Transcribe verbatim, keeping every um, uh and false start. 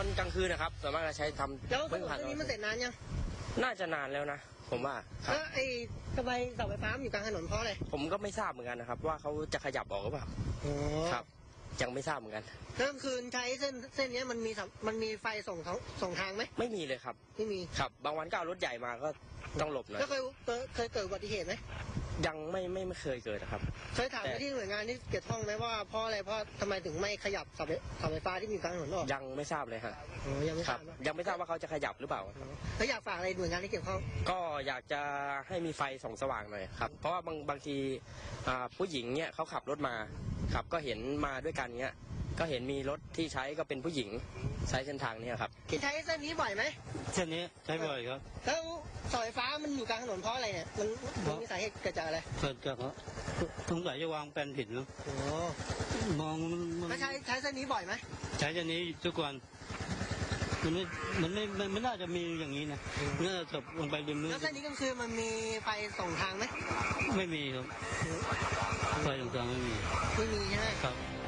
อนกลางคืนนะครับส่วนมากเราใช้ทำแล้วถนนเส้นนี้มันเสร็จนานยังน่าจะนานแล้วนะผมว่าแล้วไอ้ทำไมเสาไฟฟ้าอยู่กลางถนนเพราะอะไรผมก็ไม่ทราบเหมือนกันนะครับว่าเขาจะขยับออกหรือเปล่าครับยังไม่ทราบเหมือนกันกลางคืนใช้เส้นเส้นนี้มันมีมันมีไฟส่งเขาส่งทางไหมไม่มีเลยครับไม่มีครับบางวันก็เอารถใหญ่มาก็ต้องหลบหน่อยแล้วเคยเคยเกิดอุบัติเหตุไหมยังไม่ไม่ไม่เคยเกิดนะครับเคยถามไปที่หน่วยงานที่เกี่ยวข้องไหมว่าเพราะอะไรเพราะทำไมถึงไม่ขยับเสาไฟฟ้าที่มีกลางถนนออกยังไม่ทราบเลยฮะยังไม่ทราบยังไม่ทราบว่าเขาจะขยับหรือเปล่าเขาอยากฝากอะไรหน่วยงานที่เกี่ยวข้องก็อยากจะให้มีไฟส่องสว่างหน่อยครับเพราะว่าบางบางทีผู้หญิงเนี่ยเขาขับรถมาครับก็เห็นมาด้วยกันเนี้ยก็เห็นมีรถที่ใช้ก็เป็นผู้หญิงใช้เส้นทางนี้ครับคิดใช้เส้นนี้บ่อยไหมเส้นนี้ใช้บ่อยครับแล้วเสาไฟฟ้ามันอยู่กลางถนนเพราะอะไรเนี่ยมันมีสาเหตุเกิดจากอะไรเกิดจากสงสัยจะวางแผนผิดแล้วมองมันใช้ใช้เส้นนี้บ่อยไหมใช้เส้นนี้ทุกวันมันไม่มันไม่มันไม่น่าจะมีอย่างนี้นะน่าจะจบลงไปริมนู้นแล้วเส้นนี้ก็คือมันมีไฟส่งทางไหมไม่มีครับไฟส่งทางไม่มีไม่มีใช่ไหมครับ